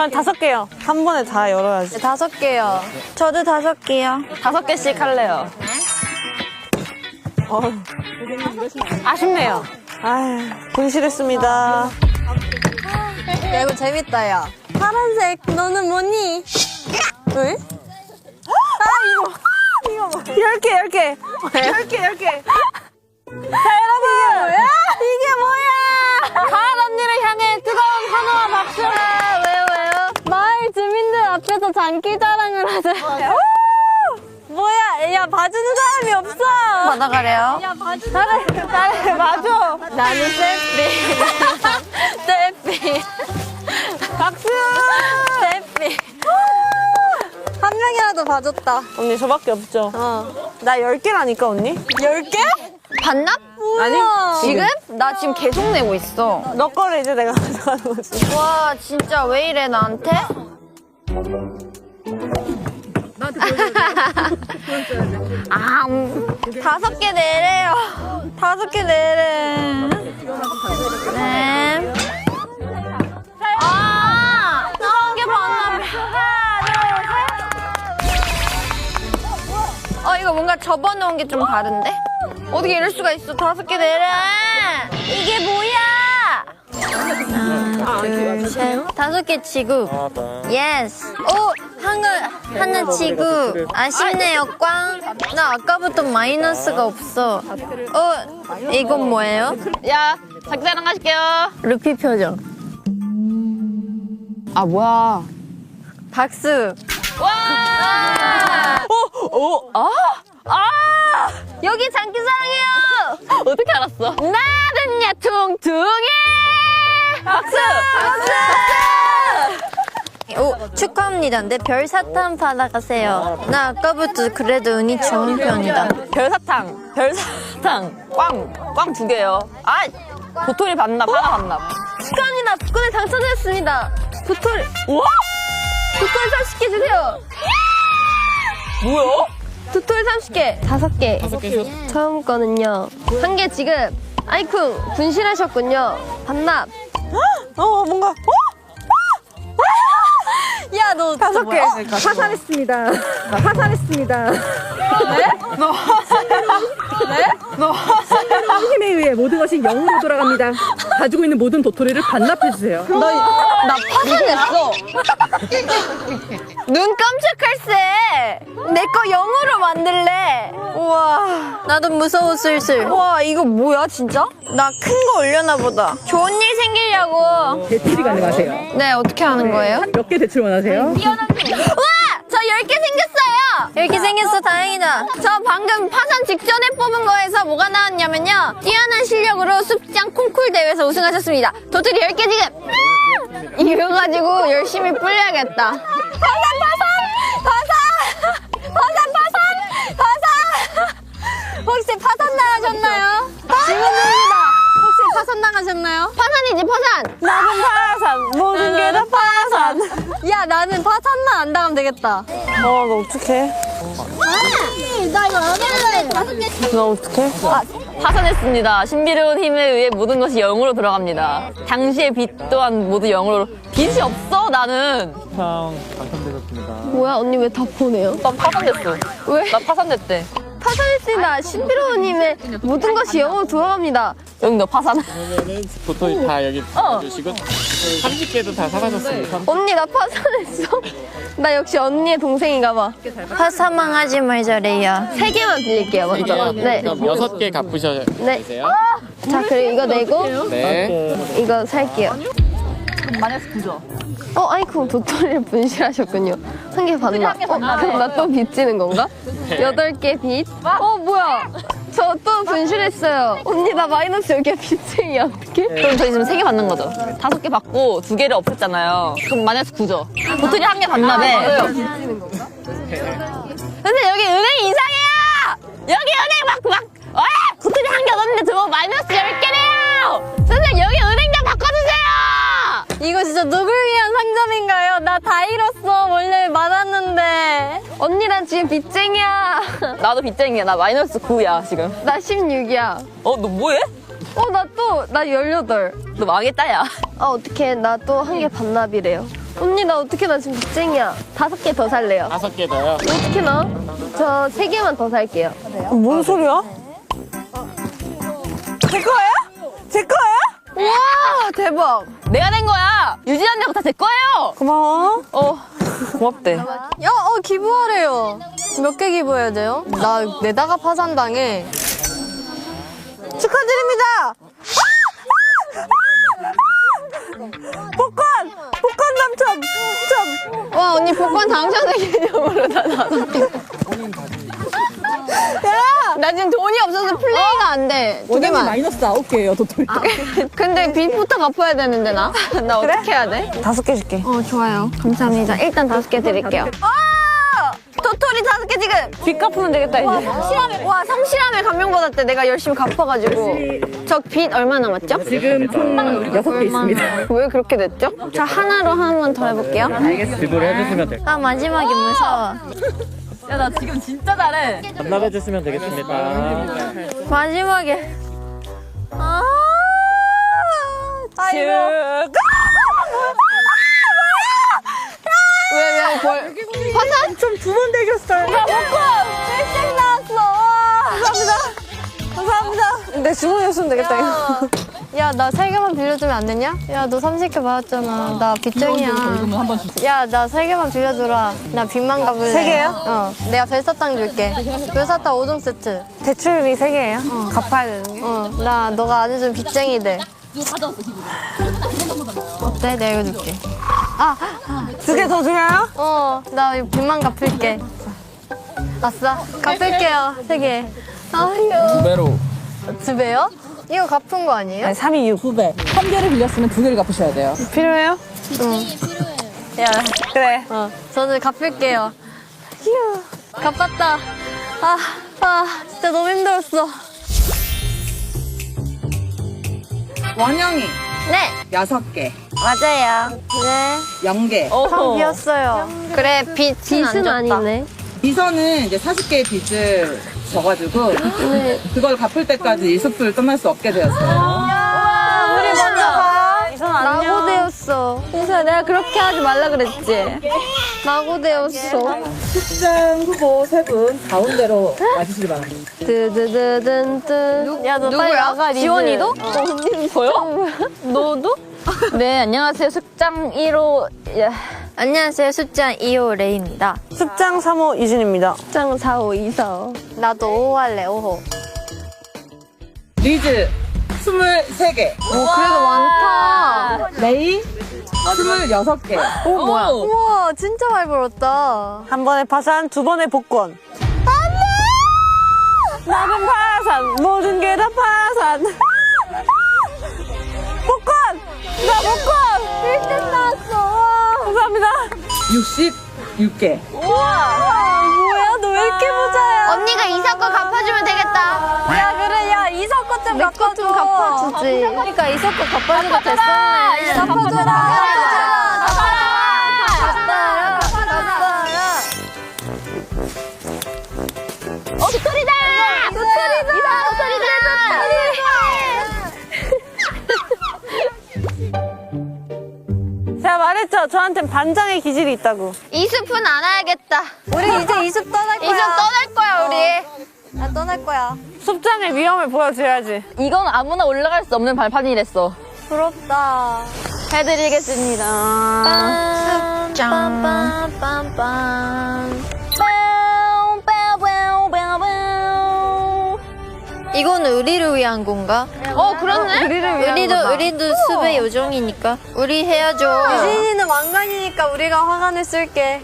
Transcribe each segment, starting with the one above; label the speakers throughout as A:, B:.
A: 전 5개요. 한 번에 다 열어야지.
B: 5개요.
C: 저도 5개요.
A: 5개씩 할래요. 아쉽네요. 아휴, 분실했습니다.
B: 야, 이거 재밌다, 야. 파란색, 너는 뭐니? 왜?
A: 이거 10개. 10개. 자, 여러분.
B: 이게 뭐야?
A: 가을 언니를 향해 뜨거운 환호와 박수.
B: 왜요? 마을 주민들 앞에서 장기 자랑을 하세요. 뭐야? 야, 봐주는 사람이 없어.
C: 받아가래요.
B: 야, 봐주는 사람이
A: 맞아.
B: 나는 셀피. 셀피.
A: 박수.
B: 셀피. 한 명이라도 봐줬다.
A: 언니, 저밖에 없죠? 나 10개라니까, 언니?
B: 10개?
C: 반납?
A: 아니,
C: 지금? 나 지금 계속 내고 있어.
A: 너 거를 이제 내가 가져가는 거지.
C: 와, 진짜 왜 이래, 나한테? 아, 5개 내래요. 5개 내래. 네. 아, 한 개 반납. 이거 뭔가 접어놓은 게 좀 다른데? 어떻게 이럴 수가 있어? 5개 내래. 이게 뭐야? 하나, 둘, 셋. 5개 지급. 예스. 오, 하나 지급. 아쉽네요, 꽝. 나 아까부터 마이너스가 없어. 이건 뭐예요?
A: 야, 작자랑 하실게요.
B: 루피 표정.
C: 아, 뭐야.
B: 박수.
C: 와! 여기 장기사랑이에요!
A: 어떻게 알았어?
C: 나는야 퉁퉁이! 박수! 오, 축하합니다. 내 별사탕 받아가세요. 나 아까부터 그래도 운이 좋은 편이다.
A: 별사탕. 꽝 2개요. 아, 도토리 반납, 하나 반납.
B: 축하합니다. 복권에 당첨됐습니다. 도토리.
A: 우와!
B: 도토리 30개 주세요.
A: 뭐야?
B: 도토리 30개. 5개. 처음 거는요. 1개 지급. 아이쿵, 분실하셨군요. 반납.
A: 뭔가.
B: 야, 너
A: 5개.
D: 파산했습니다. 힘에 의해 모든 것이 0으로 돌아갑니다. 가지고 있는 모든 도토리를 반납해주세요.
C: 나 파산했어. 눈 깜짝할세. 내 거 0으로 만들래. 우와. 나도 무서워 슬슬. 와, 이거 뭐야 진짜? 나 큰 거 올려나 보다. 좋은 일 생기려고.
D: 대출이 가능하세요.
C: 네, 어떻게 하는 거예요?
D: 몇 개 대출 원하세요?
C: 우와! 저 10개 생겼어요! 10개 생겼어, 다행이다. 저 방금 파산 직전에 뽑은 거에서 뭐가 나왔냐면요. 뛰어난 실력으로 숲장 콩쿨 대회에서 우승하셨습니다. 도토리 10개 지금! 이거 가지고 열심히 불려야겠다. 파산!
B: 혹시 파산 나가셨나요? 질문드립니다. 혹시 파산 나가셨나요?
C: 파산이지, 파산!
A: 나는 파산. 모든 게 다 파산.
B: 야, 나는 파산만 안 당하면 되겠다.
A: 너 어떡해?
B: 나 이거 안 할래.
A: 너 어떡해? 파산했습니다. 신비로운 힘에 의해 모든 것이 0으로 돌아갑니다. 당시의 빚 또한 모두 0으로. 빚이 없어, 나는.
E: 당첨되셨습니다.
B: 뭐야, 언니 왜 다 보내요?
A: 난 파산됐어.
B: 왜?
A: 나 파산됐대.
B: 파산했습니다. 신비로운 힘에 모든 것이 영으로 돌아갑니다.
A: 여기 너 파산.
E: 그러면은 도토리 다 여기 주시고 30개도 다 사가셨습니다.
B: 언니, 나 파산했어. 나 역시 언니의 동생인가 봐.
C: 파산만 하지 말자, 레이야.
B: 3개만 빌릴게요, 먼저. 네.
E: 그럼 6개 갚으셔야
B: 네.
E: 되세요.
B: 자, 그리고 이거 내고
E: 네.
B: 이거 살게요.
A: 마이너스 9죠.
B: 아이쿠, 도토리를 분실하셨군요. 1개 반납. 그럼 나 또 빚지는 건가? 8개 빚. 뭐야. 저 또 분실했어요. 언니, 나 마이너스 10개 빚쟁이야. 어떡해?
A: 그럼 저희 지금 3개 받는 거죠. 5개 받고 2개를 없앴잖아요. 그럼 마이너스 9죠. 도토리 1개 반납에. 근데 여기 은행 이상해요! 여기 은행 도토리 1개 얻었는데 저거 마이너스 10개래요! 선생님, 여기 은행 좀 바꿔주세요!
B: 이거 진짜 누굴 위한 상점인가요? 나 다 잃었어. 원래 많았는데. 언니랑 지금 빚쟁이야.
A: 나도 빚쟁이야. 나 마이너스 9야, 지금.
B: 나 16이야.
A: 너 뭐해?
B: 나 18.
A: 너 망했다, 야.
B: 어떡해. 나 또 1개 반납이래요. 언니 나 어떻게 나 지금 빚쟁이야. 5개 더 살래요.
E: 5개 더요.
B: 어떻게 나? 저 3개만 더 살게요.
F: 뭔 소리야? 제 거예요? 제 거예요?
B: 와 대박.
A: 내가 낸 거야. 유진 언니가 다 제 거예요.
F: 고마워.
A: 고맙대.
B: 야, 기부하래요. 몇 개 기부해야 돼요? 나 내다가 파산당해.
F: 축하드립니다. 복권 당첨.
B: 와, 언니 복권 당첨된 개념으로 다 나눴어. 나 지금 돈이 없어서 플레이가 안 돼. 두
D: 원장님
B: 개만.
D: 마이너스 9개예요, 도토리.
B: 근데 빚부터 갚아야 되는데 나? 나 어떻게 해야 돼?
F: 5개 줄게.
B: 좋아요. 감사합니다. 일단 5개 드릴게요. 도토리 5개 지금!
F: 빚 갚으면 되겠다 이제.
B: 성실함에 감명받았대. 내가 열심히 갚아가지고. 저 빚 얼마 남았죠?
D: 지금 총 6개 있습니다.
B: 왜 그렇게 됐죠? 저 하나로 한 번 더 해볼게요.
E: 지불 해주시면 돼요.
C: 나 마지막에 무서워.
A: 야, 나 지금 진짜 잘해.
E: 반납해주시면 되겠습니다.
C: 마지막에.
B: 왜, 화산?
F: 좀 두 번 되겠어요. 감사합니다. 내 주머니였으면 되겠다 이거.
B: 야, 나 3개만 빌려주면 안 되냐? 야, 너 30개 받았잖아. 나 빚쟁이야. 야, 나 3개만 빌려줘라. 나 빚만 갚을래.
F: 3개요?
B: 내가 별사탕 줄게. 별사탕 5종 세트.
F: 대출비 3개예요? 갚아야 되는 게?
B: 너가 안 해준 빚쟁이들. 어때? 내가 이거 줄게.
F: 2개 더 줘요?
B: 나 이거 빚만 갚을게. 아싸. 갚을게요. 3개. 아유.
E: 2배로.
B: 2배요? 이거 갚은 거 아니에요?
F: 아니 3이 6.
D: 2배. 1개를 빌렸으면 2개를 갚으셔야 돼요.
F: 필요해요?
B: 야,
F: 그래.
B: 저는 갚을게요. 휴, 갚았다. 진짜 너무 힘들었어.
G: 원영이
C: 네,
G: 6개,
C: 맞아요.
B: 네.
G: 0개.
B: 방 비었어요. 그래, 빚은 안 줬다.
G: 비서는 이제 40개의 빚을 져가지고 그걸 갚을 때까지 이 숲을 떠날 수 없게 되었어요.
B: 우리 먼저 가.
F: 이선 안녕.
B: 낙오되었어. 인수야, 내가 그렇게 하지 말라 그랬지? 낙오되었어.
G: 출장 후보 3분 가운데로 와주시기 바랍니다.
B: 드드드든든. 야, 너 빨리 나가. 지원이도? 언니는
A: 저요? 너도? 네, 안녕하세요. 숙장 1호.
C: 안녕하세요. 숫자 2호 레이입니다.
F: 습장 3호 유진입니다.
B: 장 4호, 2사. 나도 5호 할래, 5호.
G: 리즈 23개,
B: 그래도 많다.
G: 레이 26개.
A: 뭐야?
B: 우와, 진짜 많이 벌었다.
F: 한 번에 파산, 2번에 복권. 나는 파산, 모든 게 다 파산. 복권! 나 복권! 1등 나왔어. 감사합니다.
G: 66개.
F: 뭐야, 너 왜 이렇게 부자야?
C: 언니가 이사 거 갚아주면 되겠다.
B: 야, 그래, 야, 이석 거좀 갚아줘. 좀 갚아주지. 그러니까 이석 거 갚아주고 됐었네. 갚아줘라.
C: 도토리다!
F: 제가 말했죠? 저한텐 반장의 기질이 있다고.
C: 이 숲은 안 와야겠다.
B: 우리 이제 이습 떠날 거야.
C: 이 숲 떠날 거야, 우리.
B: 나 떠날 거야.
F: 숲장의 위험을 보여줘야지.
A: 이건 아무나 올라갈 수 없는 발판이랬어.
B: 부럽다.
A: 해드리겠습니다.
C: 이건 우리를 위한 건가?
A: 그렇네?
C: 우리도 숲의 요정이니까. 우리 해야죠.
B: 유진이는 왕관이니까 우리가 화관을 쓸게.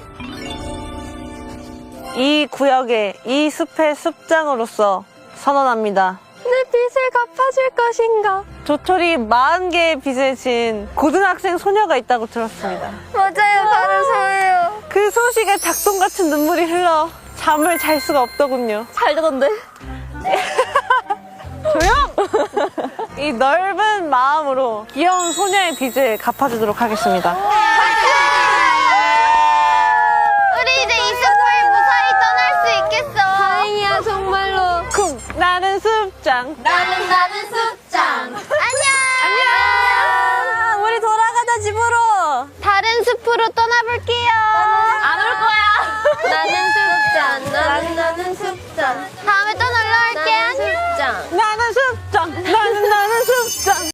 F: 이 구역의 이 숲의 숲장으로서 선언합니다.
B: 내 빚을 갚아줄 것인가?
F: 도토리 40개의 빚을 진 고등학생 소녀가 있다고 들었습니다.
B: 맞아요, 바로 저예요.
F: 그 소식에 닭똥같은 눈물이 흘러 잠을 잘 수가 없더군요.
A: 잘 되던데?
F: 조용! 이 넓은 마음으로 귀여운 소녀의 빚을 갚아주도록 하겠습니다.
C: 우리 이제 이 숲을 무사히 떠날 수 있겠어.
B: 다행이야, 정말로.
F: 쿵! 나는 숲장.
C: 나는 숲장. 안녕.
F: 우리 돌아가자 집으로.
C: 다른 숲으로 떠나볼게요.
A: 안 올 거야.
C: 나는 숙자, 나는 숙자.